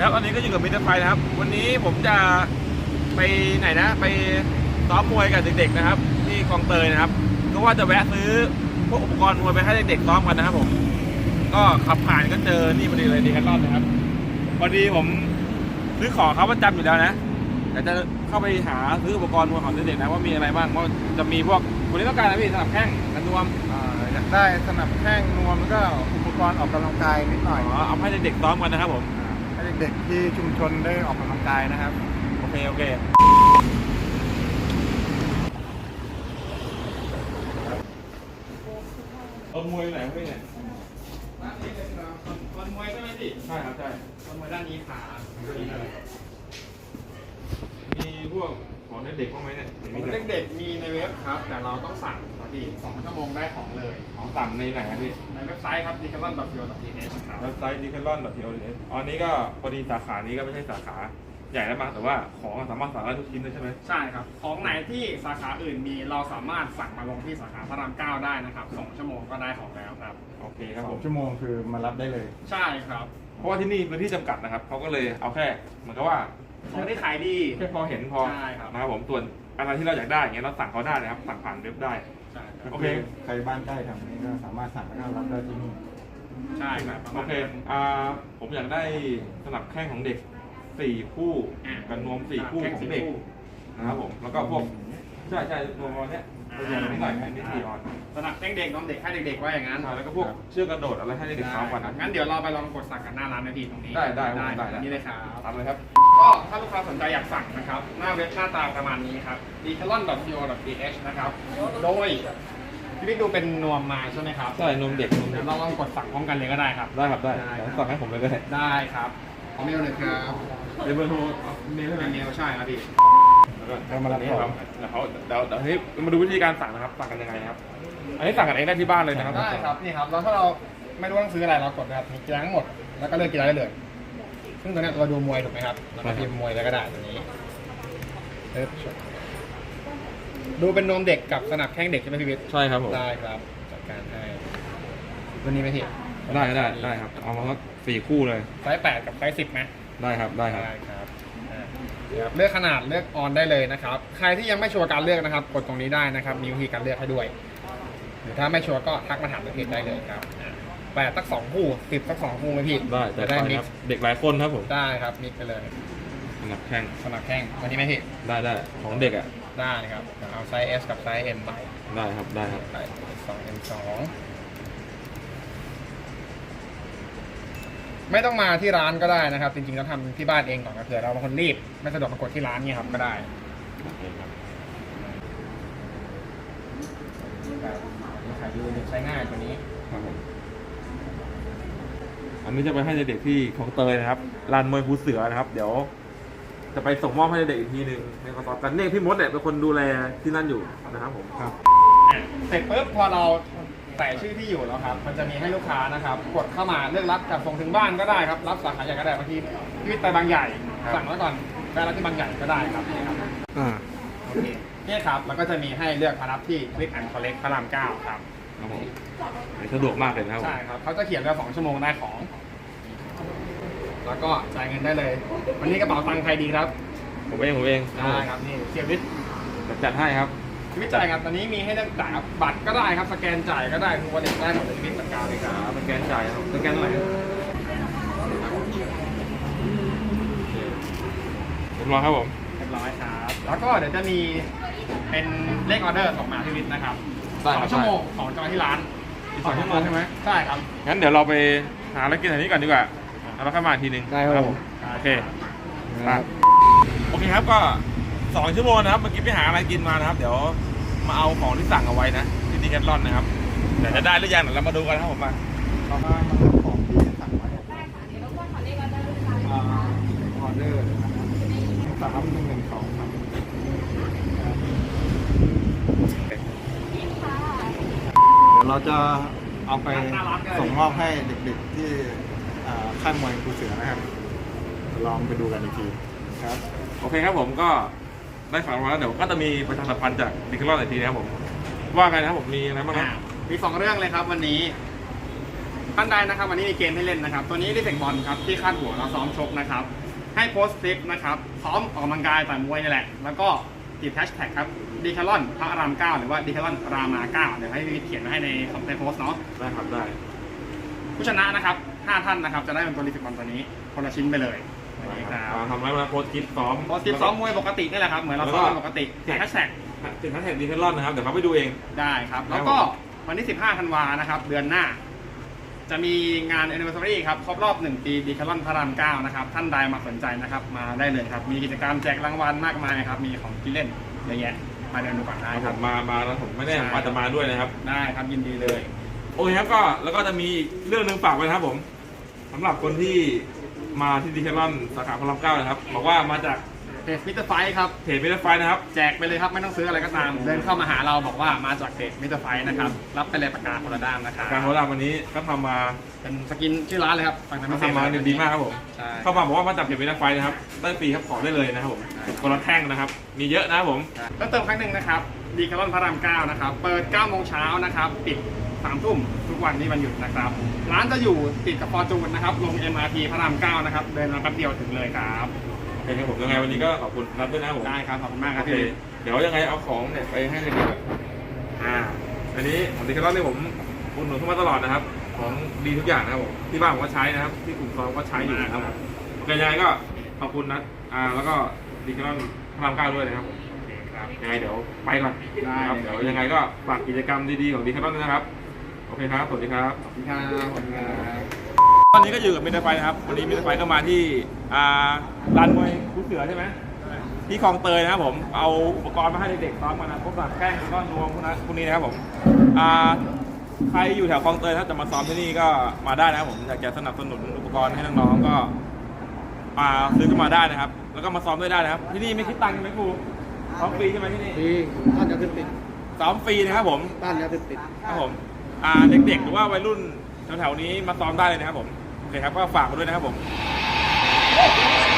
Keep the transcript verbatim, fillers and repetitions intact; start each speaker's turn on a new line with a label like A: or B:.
A: ครับตอนนี้ก็อยู่กับมิสเตอร์ไฟนะครับวันนี้ผมจะไปไหนนะไปซ้อมมวยกับเด็กๆนะครับที่คลองเตยนะครับก็ว่าจะแวะซื้อพวกอุปกรณ์มวยไปให้เด็กๆซ้อมกันนะครับผมก็ขับผ่านก็เจอนี่พอดีเลยดีแคทลอนนะครับพอดีผมซื้อของเขาประจำอยู่แล้วนะแต่จะเข้าไปหาซื้ออุปกรณ์มวยของเด็กๆนะว่ามีอะไรบ้างว่าจะมีพวกคนนี้ต้องการนะพี่สนับแข้งกันนวม
B: อยากได้สนับแข้งนวมแล้วก็อุปกรณ์ออกกำลังกายนิดหน่อย
A: อ๋อเอาให้เด็กๆซ้อมกันนะครับผม
B: ให้เด็กๆที่ชุมชนได้ออกกำลังกายนะครับ
A: โอเคโอเคต้นมวยไหนพี่เนี่ย
C: ด้านนี้เลยครับคนมวยใช่ไหมพี่
A: ใช่ครับใช่
C: คนมวยด้านนี้ขา
A: มีพวกของเด็กๆบ้างไหมเนี่ย
C: เด็กๆมีในเว็บครับ แต่เราต้องสั่งครับพี่สองชั่วโมงได้ของเลย
A: ของสั่งในไหนครับพี่
C: ในเว็บไซต์ครับ ดิจิทัล ดอท ซี โอ ดอท ที เอช ครับ
A: เว็บไซต์ ดิจิทัล ดอท ที โอ เอส อ๋อนี้ก็พอดีสาขานี้ก็ไม่ใช่สาขาใหญ่แล้วมั้งแต่ว่าของสามารถสั่งได้ทุกชิ้นเลยใช่ไหม
C: ใช่ครับ ของไหนที่สาขาอื่นมีเราสามารถสั่งมาลงที่สาขาพระรามเก้าได้นะครับสองชั่วโมงก็ได้ของแล้วครับ
A: โอเคครับ
B: ส
A: ผ
B: อง
A: ม
B: ชั่วโมงคือมารับได้เลย
C: ใช่ครับ
A: เพราะว่าที่นี่พื้นที่จำกัดนะครับเขาก็เลยเอาแค่เหมือนกับว่า
C: ของที่ขายดี
A: แค่พอเห็นพอ
C: ใช่ครับ
A: นะครับผมส่วนอะไรที่เราอยากได้อย่างเงี้ยเราสั่งเขาได้นะครับสั่งผ่านเว็บได้
C: ใช่ครับ
A: โอเค
B: ใครบ้านใกล้ทางนี้ก็สามารถสั่งแล้วก็รับได้ที่นี่
C: ใช่ครับประ
A: โอ
C: มาณ
A: เค
C: นั้น
A: อ่าผมอยากได้สนับแข้งของเด็กสี่คู่
C: อ่ะ
A: กับนวมสี่คู่
C: แข้ง
A: ขอ
C: สี่
A: งเด็ก
C: คู่
A: นะครับผมแล้วก็พวกใช่ใช่นวมประมาณเนี้ยตัวอย่างนิดหน่อยนิดสี่ออน
C: สนับแข้งเด็กน้องเด็กให้เด็กๆว่าอย่างนั้น
A: ใช่แล้วก็พวกเชือกกระโดดอะไรให้เด็กๆซ้อมกันนะ
C: งั้นเดี๋ยวเราไปลองกดสั่งกันหน้าร้านนะพี่ตรงนี้
A: ได้ได้ได้
C: ได้นี่เลยครับ
A: ทำเลยครับ
C: ก็ถ้าลูกค้าสนใจอยากสั่งนะครับ หน้าเว็บหน้าตาประมาณนี้ครับ ดิจิทัล ดอท ซี โอ ดอท ที เอช นะครับ โดยพี่บิ๊กดูเป็นนวมมาใช่ไหมครับ
A: ใช่นวมเด็กนวมเด็
C: เดี๋ย
A: ก
C: วเราลองกดสั่งพร้อมกันเลยก็ได้ครับ
A: ได้ครับได้
C: ได้ครับ
A: สั่งให้ผมเลยก็ได้
C: ได้ครับขอเมลเลยครับ
A: เดี๋ยวเบอร์โทรเมลให้ไหม
C: เป็นเมลใช่ครับพี่
A: แล้วก็เดี๋ยวครับเดี๋ยวเขาเดี๋ยวเดี๋ยวให้มาดูวิธีการสั่งนะครับสั่งกันยังไงนะครับอันนี้สั่งกันเองได้ที่บ้านเลยนะครับ
C: ได้ครับนี่ครับแล้วถ้าเราไม่รู้ต้องซื้ออะไรเรากดนะครับมีกีฬาทั้งหมดแล้วก็เลือกกีฬาได้เลย ซึ่งตัวเนี้ยเราดูมวยถูกไหมครับเราก็พิมพ์มวยแล้วก็ได้ตัวนี้เอิ๊บดูเป็นนวมเด็กกับสนับแข้งเด็กใช่ไหมพี่วิทย์
A: ใช่ครับผม
C: ได้ครับจัดการให้ตัวนี้ไหมพี่
A: ได้ได้ได้ครับเอามาสักสี่คู่เลย
C: ไซส์แปดกับไซส์สิบไหม
A: ได้ครับได้ครับ
C: ได้ครับอ่าเดี๋ยวเลือกขนาดเลือกออนได้เลยนะครับใครที่ยังไม่ชัวร์การเลือกนะครับกดตรงนี้ได้นะครับมีวิธีการเลือกให้ด้วยหรือถ้าไม่ชัวร์ก็ทักมาถามในเพจได้เลยครับอ่าแปดสักสองคู่สิบสักสองคู่ไหมพี่
A: ได้
C: จะ
A: ได้
C: ได้มิ
A: ค
C: ก
A: รับ
C: ซ์
A: เด็กหลายคนครับผม
C: ได้ครับมิกซ์ไปเลย
A: สำหรับแข่ง
C: สนับแข้งวันนี้ไหมพี่
A: ได้ได้ของเด็กอ่ะ
C: ได้ครับเอาไซส์ S กับไซส์ M ไป
A: ได้ครับได้ครับ
C: ไปสอง M สองไม่ต้องมาที่ร้านก็ได้นะครับ จริงๆแล้วทำที่บ้านเองก่อนก็เผื่อเราบางคนรีบไม่สะดวกมากดที่ร้านเนี่ยครับก็ได้
A: โอเคครับ
C: ครับขายดีใช้ง่ายตัวนี้
A: ครับผมอันนี้จะไปให้เด็กๆที่คลองเตยนะครับลานมวยภูเสือนะครับ เดี๋ยว จะไปส่งมอบให้เด็กอีกทีหนึ่งในคอนต่อกันเนี่ยพี่มดเนี่ยเป็นคนดูแลที่นั่นอยู่นะครับผมครับ
C: อ่ะเสร็จปุ๊บพอเราใส่ชื่อที่อยู่แล้วครับ มันจะมีให้ลูกค้านะครับ กดเข้ามาเลือกรับจัดส่งถึงบ้านก็ได้ครับ รับสาขาใหญ่ก็ได้บางทีพี่วิทย์ไปบางใหญ่ สั่งไว้ก่อนไปรับที่บางใหญ่ก็ได้ครับนี่ครับ
A: อ่า
C: โอเคนี่ครับแล้วก็จะมีให้เลือกมารับที่ Click and Collect พระรามเก้าครับ
A: ครับผมสะดวกมากเลยนะครับผม
C: ใช่ครับเขาจะเขียนว่าสองชั่วโมงได้ของ แล้วก็จ่ายเงินได้เลย วันนี้กระเป๋าตังค์ใครดีครับ
A: ผมเองผมเอง
C: ได้ครับนี่เสียวิทย์
A: จัดให้ครับ
C: ชีวิตจ่ายครับตอนนี้มีให้เลือกจ่ายครับบัตรก็ได้ครับสแกนจ่ายก็ได้ทุกวันเด็กได้หมดเลยชีวิตจัดการเลยครับ
A: สแกนจ่ายครับสแกนเท่าไหร่เรียบร้อยครับผม
C: เรียบร้อยครับ แล้วก็เดี๋ยวจะมีเป็นเลขออเดอร์ส่งมาที่วิทย์นะครับสองชั่วโมงของจอยที่ร้าน
A: อีกสองชั่วโมงใช่ไหม
C: ใช่ครับ
A: งั้นเดี๋ยวเราไปหาอะไรกินแถวนี้ก่อนดีกว่าแล้วเข้ามาอีกทีหนึง
B: ได้ครับผม
A: โอเคไปโอเคครับก็สองชั่วโมงนะครับเมื่อกี้ไปหาอะไรกินมานะครับ เดี๋ยวมาเอาของที่สั่งเอาไว้นะที่ดีแคทลอนนะครับเดี๋ยวจะได้หรือยังเดี๋ยวเรามาดูกันนะครับผมมา
B: ต่อมามารับของที่สั่งไว้
D: ได้ค่ะเดี๋ยวรบกวนขอเลขออเดอร์ลูกค้า
B: อ่าออเดอร์สามหนึ่งหนึ่งสองครับ
D: นี่ค่ะ
B: เดี๋ยวเราจะเอาไปส่งมอบให้เด็กๆที่อ่าค่ายมวยภูเสือนะครับ ลองไปดูกันอีกทีครับ
A: โอเคครับผมก็ได้ฟังมาแล้วเดี๋ยวก็จะมีประชาสัมพันธ์จากดีแคทลอนอีกทีนะครับผมว่าไงนะครับผมมีอะไรบ้างครับ
C: มีสองเรื่องเลยครับวันนี้ท่านใดนะครับวันนี้มีเกมให้เล่นนะครับตัวนี้ดิเฟกบอลครับที่คาดหัวเราซ้อมชกนะครับให้โพสต์คลิปนะครับซ้อมออกกำลังกายต่อยมวยนี่แหละแล้วก็ติดแฮชแท็กครับดีคาร์ลอนพระรามเก้าหรือว่าดีคาร์ลอนรามาเก้าเดี๋ยวให้พี่วิทย์เขียนไว้ให้ในในโพสต์เนาะ
A: ได้ครับได้
C: ผู้ชนะนะครับห้าท่านนะครับจะได้เป็นตัวดิเฟกบอลตัวนี้คนละชิ้นไปเลยนี่ครับ
A: มาทำไรมาโพสต์คลิปซ้อม
C: โพสต์คลิปซ้อมมวยปกตินี่แหละครับเหมือนเราซ้อมกันปกติติดแฮชแท็ก
A: ติดแฮชแท็กดีเทลลอนนะครับเดี๋ยวเขาไปดูเอง
C: ได้ครับ แล้วก็วันที่สิบห้าธันวานะครับเดือนหน้า จะมีงาน anniversary ครับครบรอบหนึ่งปีดีคาร์ลอนพระรามเก้านะครับท่านใดมาสนใจนะครับมาได้เลยครับมีกิจกรรมแจกรางวัลมากมายครับมีของกินเล่นเยอะแยะมาเดินดูก่อนได้
A: ผ
C: ครับ
A: มมามาแล้วผมไม่แน่ผมอาจจะมาด้วยนะครับ
C: ได้ครับยินดีเลย
A: โอเคครับก็แล้วก็จะมีเรื่องหนึ่งฝากไว้นะครับผมสำหรับคนที่มาที่ดีเทลลอนสาขาพระรามเก้านะครับบอกว่ามาจาก
C: เพจมิสเตอร์ไฟครับ
A: เพจมิเตอร์ไฟนะครับ
C: แจกไปเลยครับไม่ต้องซื้ออะไรก็ตาม เดินเข้ามาหาเราบอกว่ามาจากเพจมิสเตอร์ไฟนะครับรับไปเลยปากกาโคลาด้ามนะครับ
A: การโพสต์วันนี้ก็ทำมา
C: เป็นสกินชื่อร้านเลยครับฟังทาง
A: ทำมาดีมากครับผม
C: ใช่
A: เข้ามาบอกว่ามาจากเพจมิเตอร์ไฟนะครับได้ฟรีครับขอได้เลยนะครับผมคนละแท่งนะครับมีเยอะนะครับผม
C: เพิ่มเติมครั้งหนึ่งนะครับดีคาร์ลอนพระรามเก้านะครับเปิดเก้าโมงเช้านะครับปิดสามทุ่มทุกวันที่วันหยุดนะครับร้านจะอยู่ติดกับฟอร์จูนนะครับลง เอ็ม อาร์ ที พระรามเก้านะครับเดินมาแป๊บเดียวถึงเลยครับ
A: โอเคครับผมยังไงวันนี้ก็ขอบคุณนัดด้วยนะครับผม
C: ได้ครับขอบคุณมากค
A: โอ
C: รับ
A: เค
C: พี่
A: เดี๋ยวยังไงเอาของเนี่ยไปให้เด็กๆอ่าอันนี้ของดีคาร์ลอนเนี่ยผมอุดหนุนเข้ามาตลอดนะครับของดีทุกอย่างนะครับผมที่บ้านผมก็ใช้นะครับที่กลุ่มซองก็ใช้อยู่นะครับผมโอเคยังไงก็ขอบคุณนัดอ่าแล้วก็ดีคาร์ลอนพระรามเก้าด้วยนะครับผม
C: ครับ
A: ยังไงเดี๋ยวไปก่อน
C: ได้
A: นะครับเดี๋ยวยังไงก็ฝากกิจกรรมดีๆของดีคาร์ลอนด้วยนะครับโอเคครับสวัสดีครับ
C: ขอบคุณครับขอบคุณครับ
A: ตอนนี้ก็อยู่กับมิสเตอร์ไฟนะครับวันนี้มิสเตอร์ไฟก็มาที่อ่าลานมวยคูเสือใช่ไหมที่คลองเตยนะครับผมเอาอุปกรณ์มาให้เด็กๆซ้อมกันนะพวกแบบแข้งแล้วก็นวมพวกนั้นพวกนี้นะครับผมอ่าใครอยู่แถวคลองเตยถ้าจะมาซ้อมที่นี่ก็มาได้นะครับผมอยากจะสนับสนุนอุปกรณ์ให้น้องๆก็มาซื้อเข้ามาได้นะครับ แล้วก็มาซ้อมด้วยได้นะครับ ที่นี่ไม่คิดตังค์ใช่ไหมครูซ้อมฟรีใช่ไหมที่นี่
C: ดีต้านยาเสพติด
A: ซ้อมฟรีนะครับผม
C: ต้านยาเสพติด
A: ครับผมอ่าเด็กๆหรือว่าวัยรุ่นแถวๆนี้มาซ้อมได้เลยนะครับผมโอเคครับก็ฝากมาด้วยนะครับผม